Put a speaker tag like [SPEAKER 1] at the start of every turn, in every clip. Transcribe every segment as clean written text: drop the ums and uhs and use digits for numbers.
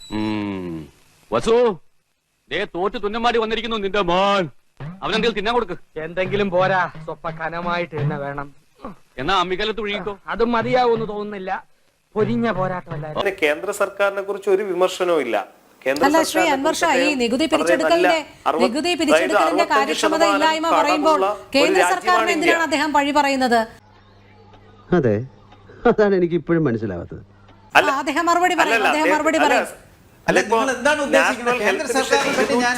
[SPEAKER 1] വസു തോറ്റ് തുന്നമാടി വന്നിരിക്കുന്നു നിന്റെ മോൻ. അവനെന്തെങ്കിലും തിന്നാൻ കൊടുക്ക്.
[SPEAKER 2] എന്തെങ്കിലും പോരാ, സ്വപ്പ കനമായിട്ട് തന്നെ വേണം.
[SPEAKER 1] എന്നാ അമ്മിക്കലത്ത് ഒഴുകിക്കോ.
[SPEAKER 2] അതും മതിയാവൂന്ന് തോന്നുന്നില്ല. പൊരിഞ്ഞ പോരാട്ടമല്ല.
[SPEAKER 3] കേന്ദ്ര സർക്കാരിനെ കുറിച്ച് ഒരു വിമർശനവും ഇല്ല.
[SPEAKER 4] അല്ല ശ്രീ അൻവർ ഷാ, ഈ നികുതി പിരിച്ചെടുക്കലിന്റെ കാര്യക്ഷമത ഇല്ലായ്മ പറയുമ്പോൾ കേന്ദ്ര സർക്കാരിന് എന്തിനാണ് അദ്ദേഹം പഴി പറയുന്നത്?
[SPEAKER 5] അതെ, അതാണ് എനിക്ക് ഇപ്പോഴും മനസ്സിലാവാത്തത്.
[SPEAKER 4] അദ്ദേഹം മറുപടി പറയും.
[SPEAKER 6] അല്ല, നിങ്ങൾ എന്താണ് ഉദ്ദേശിക്കുന്നത്? കേന്ദ്ര സർക്കാരിനെ പറ്റി ഞാൻ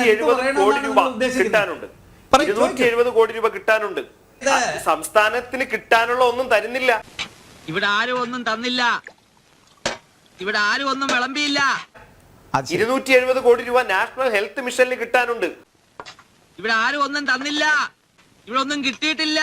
[SPEAKER 3] 270 കോടി രൂപ കിട്ടാനുണ്ട്. സംസ്ഥാനത്തിന് കിട്ടാനുള്ള ഒന്നും തരുന്നില്ല.
[SPEAKER 7] ഇവിടെ ആരും ഒന്നും തന്നില്ല. ഇവിടെ ആരും ഒന്നും വിളമ്പിയില്ല.
[SPEAKER 3] 270 കോടി രൂപ നാഷണൽ ഹെൽത്ത് മിഷനിൽ കിട്ടാനുണ്ട്.
[SPEAKER 7] ഇവിടെ ആരും ഒന്നും തന്നില്ല. ഇവിടെ ഒന്നും കിട്ടിയിട്ടില്ല.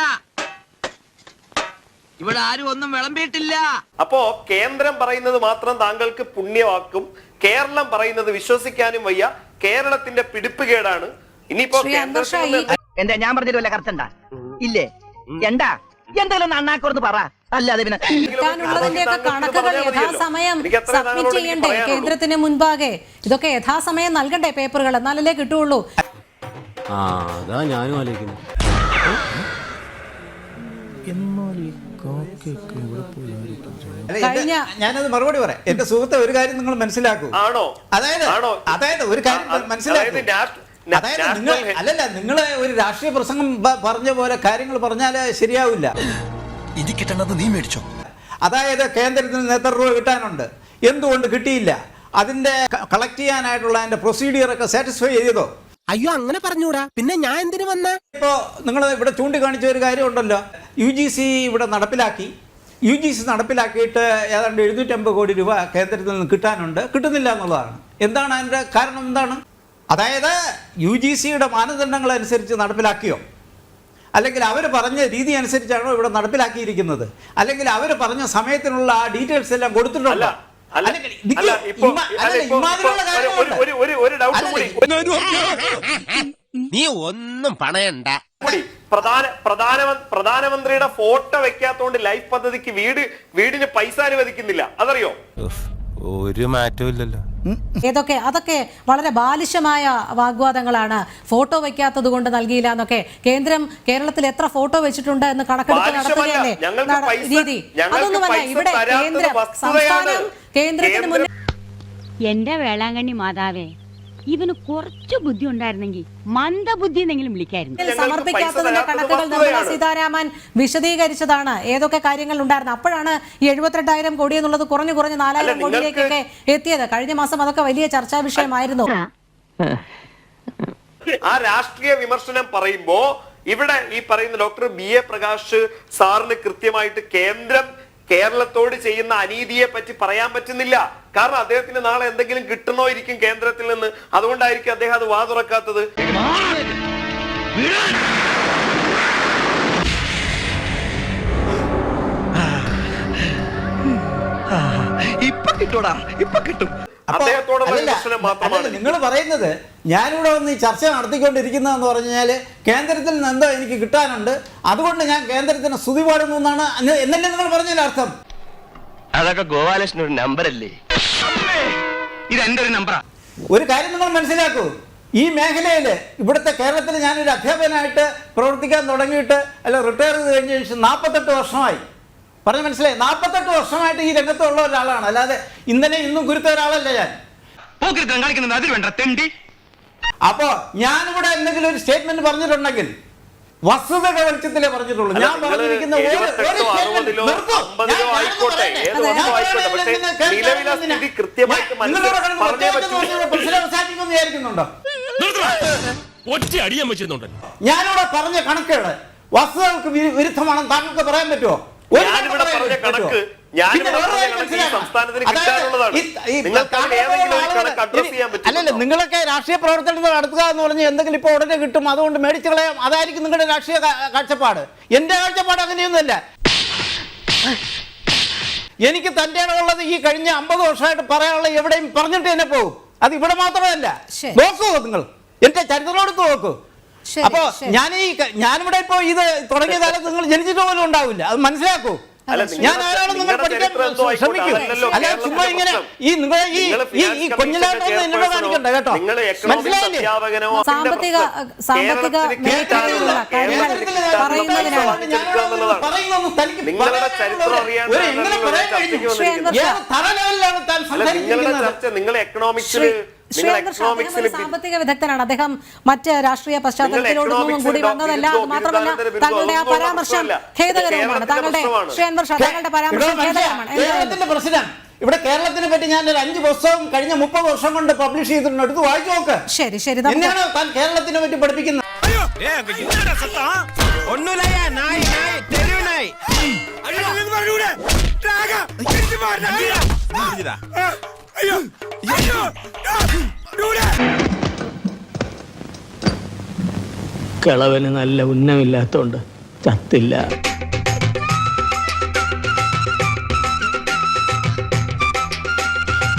[SPEAKER 7] ഇവിടെ ആരും ഒന്നും വിളമ്പിയിട്ടില്ല.
[SPEAKER 3] അപ്പോ കേന്ദ്രം പറയുന്നത് മാത്രം താങ്കൾക്ക് പുണ്യവാക്കും, കേരളം പറയുന്നത് വിശ്വസിക്കാനും വയ്യ. കേരളത്തിന്റെ പിടിപ്പുകേടാണ്. ഇനിയിപ്പോ
[SPEAKER 8] എന്താ ഞാൻ പറഞ്ഞിട്ട് വല്ല കറക്റ്റ് ഇല്ലേ? എന്താ എന്തെങ്കിലും അണ്ണാക്കോർന്ന് പറ. അല്ലാതെ പിന്നെ
[SPEAKER 4] കണക്കുകൾ യഥാസമയം സബ്മിറ്റ് ചെയ്യണ്ടേ കേന്ദ്രത്തിന് മുൻപാകെ? ഇതൊക്കെ യഥാസമയം നൽകണ്ടേ പേപ്പറുകൾ? എന്നാലല്ലേ കിട്ടുള്ളൂ.
[SPEAKER 5] അതാ ഞാനും ആലോചിക്കുന്നു.
[SPEAKER 6] ഞാനത് മറുപടി പറയാം. എന്റെ സുഹൃത്തെ, ഒരു കാര്യം നിങ്ങൾ മനസ്സിലാക്കൂ. അതായത് ഒരു കാര്യം മനസ്സിലാക്കൂ. അല്ലല്ല, നിങ്ങള് ഒരു രാഷ്ട്രീയ പ്രസംഗം പറഞ്ഞ പോലെ കാര്യങ്ങൾ പറഞ്ഞാല് ശരിയാവില്ല.
[SPEAKER 9] ഇത് കിട്ടണത് നീ മേടിച്ചോ?
[SPEAKER 6] അതായത് കേന്ദ്രത്തിന് എത്ര രൂപ കിട്ടാനുണ്ട്, എന്തുകൊണ്ട് കിട്ടിയില്ല, അതിന്റെ കളക്ട് ചെയ്യാനായിട്ടുള്ള അതിന്റെ പ്രൊസീഡിയർ ഒക്കെ സാറ്റിസ്ഫൈ ചെയ്തോ?
[SPEAKER 9] അയ്യോ, അങ്ങനെ പറഞ്ഞൂടാ. പിന്നെ ഞാൻ എന്തിനു വന്ന?
[SPEAKER 6] ഇപ്പോ നിങ്ങൾ ഇവിടെ ചൂണ്ടിക്കാണിച്ച ഒരു കാര്യം ഉണ്ടല്ലോ, UGC ഇവിടെ നടപ്പിലാക്കി. UGC നടപ്പിലാക്കിയിട്ട് ഏതാണ്ട് 750 കോടി രൂപ കേന്ദ്രത്തിൽ നിന്ന് കിട്ടാനുണ്ട്, കിട്ടുന്നില്ല എന്നുള്ളതാണ്. എന്താണ് അതിന്റെ കാരണം? എന്താണ്? അതായത് UGCയുടെ മാനദണ്ഡങ്ങൾ അനുസരിച്ച് നടപ്പിലാക്കിയോ, അല്ലെങ്കിൽ അവർ പറഞ്ഞ രീതി അനുസരിച്ചാണോ ഇവിടെ നടപ്പിലാക്കിയിരിക്കുന്നത്, അല്ലെങ്കിൽ അവർ പറഞ്ഞ സമയത്തിനുള്ള ആ ഡീറ്റെയിൽസ് എല്ലാം കൊടുത്തിട്ടുണ്ടോ?
[SPEAKER 9] നീ ഒന്നും പണയണ്ട.
[SPEAKER 3] പ്രധാനമന്ത്രിയുടെ ഫോട്ടോ വെക്കാത്തോണ്ട് ലൈഫ് പദ്ധതിക്ക് വീടിന് പൈസ അനുവദിക്കുന്നില്ല. അതറിയോ?
[SPEAKER 9] ഒരു മാറ്റവും ഇല്ലല്ലോ.
[SPEAKER 4] അതൊക്കെ വളരെ ബാലിശമായ വാഗ്വാദങ്ങളാണ്. ഫോട്ടോ വെക്കാത്തത് കൊണ്ട് നൽകിയില്ല എന്നൊക്കെ. കേരളത്തിൽ എത്ര ഫോട്ടോ വെച്ചിട്ടുണ്ട് എന്ന് കണക്കെടുപ്പ് നടത്തുകയല്ലേ രീതി. അതൊന്നുമല്ല ഇവിടെ സംസ്ഥാനം കേന്ദ്രത്തിന് മുന്നിൽ.
[SPEAKER 10] എന്റെ വേളാങ്കണ്ണി മാതാവേ, ഇവന് കുറച്ചു ബുദ്ധി ഉണ്ടായിരുന്നെങ്കിൽ മന്ദബുദ്ധി എന്നെങ്കിലും വിളിക്കായിരുന്നു.
[SPEAKER 4] സമർപ്പിക്കാത്തതിന്റെ കണക്കുകൾ നിർമ്മലാ സീതാരാമൻ വിശദീകരിച്ചതാണ്. ഏതൊക്കെ കാര്യങ്ങൾ ഉണ്ടായിരുന്നു. അപ്പോഴാണ് ഈ 72,000 കോടി എന്നുള്ളത് കുറഞ്ഞു 4,000 കോടിയിലേക്കൊക്കെ എത്തിയത്. കഴിഞ്ഞ മാസം അതൊക്കെ വലിയ ചർച്ചാ വിഷയമായിരുന്നു.
[SPEAKER 3] ആ രാഷ്ട്രീയ വിമർശനം പറയുമ്പോ ഇവിടെ ഈ പറയുന്ന ഡോക്ടർ BA പ്രകാശ് സാറിന് കൃത്യമായിട്ട് കേരളത്തോട് ചെയ്യുന്ന അനീതിയെ പറ്റി പറയാൻ പറ്റുന്നില്ല. കാരണം അദ്ദേഹത്തിന് നാളെ എന്തെങ്കിലും കിട്ടണോയിരിക്കും കേന്ദ്രത്തിൽ നിന്ന്. അതുകൊണ്ടായിരിക്കും അദ്ദേഹം അത് വാ തുറക്കാത്തത്.
[SPEAKER 9] ഇപ്പൊ കിട്ടൂടാ, ഇപ്പൊ കിട്ടും.
[SPEAKER 6] നിങ്ങൾ പറയുന്നത് ഞാനിവിടെ വന്ന് ഈ ചർച്ച നടത്തിക്കൊണ്ടിരിക്കുന്നതെന്ന് പറഞ്ഞാൽ കേന്ദ്രത്തിൽ നിന്ന് എന്തോ എനിക്ക് കിട്ടാനുണ്ട്, അതുകൊണ്ട് ഞാൻ കേന്ദ്രത്തിന് സ്തുതി പാടുന്നു എന്നാണ് എന്നല്ലേ നിങ്ങൾ പറഞ്ഞതിന്റെ അർത്ഥം?
[SPEAKER 7] അതൊക്കെ ഗോപാലകൃഷ്ണൻ ഒരു നമ്പറല്ലേ? ഇത് എന്റെ ഒരു നമ്പറാ.
[SPEAKER 6] ഒരു കാര്യം നിങ്ങൾ മനസ്സിലാക്കൂ, ഈ മേഖലയിൽ ഇവിടുത്തെ കേരളത്തിൽ ഞാനൊരു അധ്യാപകനായിട്ട് പ്രവർത്തിക്കാൻ തുടങ്ങിയിട്ട് റിട്ടയർ ചെയ്ത് കഴിഞ്ഞ ശേഷം 48 വർഷമായി. പറഞ്ഞ് മനസ്സിലായി? 48 വർഷമായിട്ട് ഈ രംഗത്തുള്ള ഒരാളാണ്. അല്ലാതെ ഇന്നലെ ഇന്നും കുരുത്ത ഒരാളല്ല ഞാൻ. അപ്പോ ഞാനിവിടെ എന്തെങ്കിലും ഒരു സ്റ്റേറ്റ്മെന്റ് പറഞ്ഞിട്ടുണ്ടെങ്കിൽ വസ്തുതയുടെ വെളിച്ചത്തിലേ പറഞ്ഞിട്ടുള്ളൂ. ഞാൻ പറഞ്ഞിരിക്കുന്ന വിചാരിക്കുന്നുണ്ടോ? ഞാനിവിടെ പറഞ്ഞ കണക്കുകൾ വസ്തുതകൾക്ക് വിരുദ്ധമാണെന്ന് താങ്കൾക്ക് പറയാൻ പറ്റുമോ? അല്ലല്ല, നിങ്ങളൊക്കെ രാഷ്ട്രീയ പ്രവർത്തനങ്ങൾ നടത്തുക എന്ന് പറഞ്ഞ് എന്തെങ്കിലും ഇപ്പൊ ഉടനെ കിട്ടും, അതുകൊണ്ട് മേടിച്ചു കളയാം, അതായിരിക്കും നിങ്ങളുടെ രാഷ്ട്രീയ കാഴ്ചപ്പാട്. എന്റെ കാഴ്ചപ്പാട് അങ്ങനെയൊന്നുമല്ല. എനിക്ക് തന്റെ ഉള്ളത് ഈ കഴിഞ്ഞ 50 വർഷമായിട്ട് പറയാനുള്ള എവിടെയും പറഞ്ഞിട്ട് തന്നെ പോകും. അത് ഇവിടെ മാത്രമല്ല, നോക്കൂ നിങ്ങൾ എന്റെ ചരിത്രമെടുത്ത് നോക്കൂ. അപ്പോ ഞാനിവിടെ ഇപ്പോ ഇത് തുടങ്ങിയ കാലത്ത് നിങ്ങൾ ജനിച്ചിട്ട് പോലും ഉണ്ടാവില്ല. അത് മനസ്സിലാക്കൂ.
[SPEAKER 3] അല്ല,
[SPEAKER 6] ഞാൻ ആരാണെന്ന് നിങ്ങൾ
[SPEAKER 3] നിങ്ങളുടെ
[SPEAKER 6] പഠിക്കാൻ
[SPEAKER 3] ചരിത്രം എന്തോ ആയിക്കോട്ടെ,
[SPEAKER 6] ശ്രമിക്കൂ.
[SPEAKER 3] അതല്ലല്ലോ
[SPEAKER 6] അല്ല ചുമ്മാ ഇങ്ങനെ ഈ നിങ്ങൾ ഈ കൊഞ്ഞിലാട്ടൊന്നും എന്നോട് കാണിക്കണ്ട കേട്ടോ.
[SPEAKER 3] നിങ്ങൾ എക്കണോമിക്സ്
[SPEAKER 6] മനസ്സിലായില്ലേ?
[SPEAKER 3] അധ്യാപകനോ
[SPEAKER 4] സാമ്പത്തിക മേഖലയിലുള്ള കാര്യങ്ങൾ പറയുന്നതിനാണ്
[SPEAKER 6] പറയുന്നൊന്നും തനിക്ക്
[SPEAKER 3] നിങ്ങളുടെ ചരിത്രം അറിയാൻ
[SPEAKER 6] എങ്ങനെ പറയാൻ കഴിഞ്ഞു? ഏത് തറ ലെവലിലാണ് താൻ
[SPEAKER 3] നിങ്ങളുടെ
[SPEAKER 6] സംസാരിക്കുന്നത്?
[SPEAKER 3] ചർച്ച നിങ്ങൾ എക്കണോമിക്സിൽ
[SPEAKER 4] സാമ്പത്തിക വിദഗ്ധനാണ് അദ്ദേഹം. മറ്റ് രാഷ്ട്രീയ പശ്ചാത്തലത്തിലോടൊന്നും കൂടി വന്നതല്ല. അത് മാത്രമല്ല താങ്കളുടെ ആ പരാമർശം ഖേദകരവുമാണ്. താങ്കളുടെ ശ്രീ അൻവർ ഷാ, താങ്കളുടെ പരാമർശം ഖേദകരമാണ്.
[SPEAKER 6] കേരളത്തിന്റെ പ്രശ്നം ഇവിടെ കേരളത്തിനെ പറ്റി ഞാൻ ഒരു 5 പുസ്തകം കഴിഞ്ഞ 30 വർഷം കൊണ്ട് പബ്ലിഷ് ചെയ്തിട്ടുണ്ട്. എടുത്ത് വായിച്ചു നോക്ക്.
[SPEAKER 4] ശരി ശരി
[SPEAKER 6] എന്നെയാണ് താൻ കേരളത്തിനെ പറ്റി പഠിപ്പിക്കുന്നത്?
[SPEAKER 2] കിളവന് നല്ല ഉന്നമില്ലാത്തോണ്ട് ചത്തില്ല.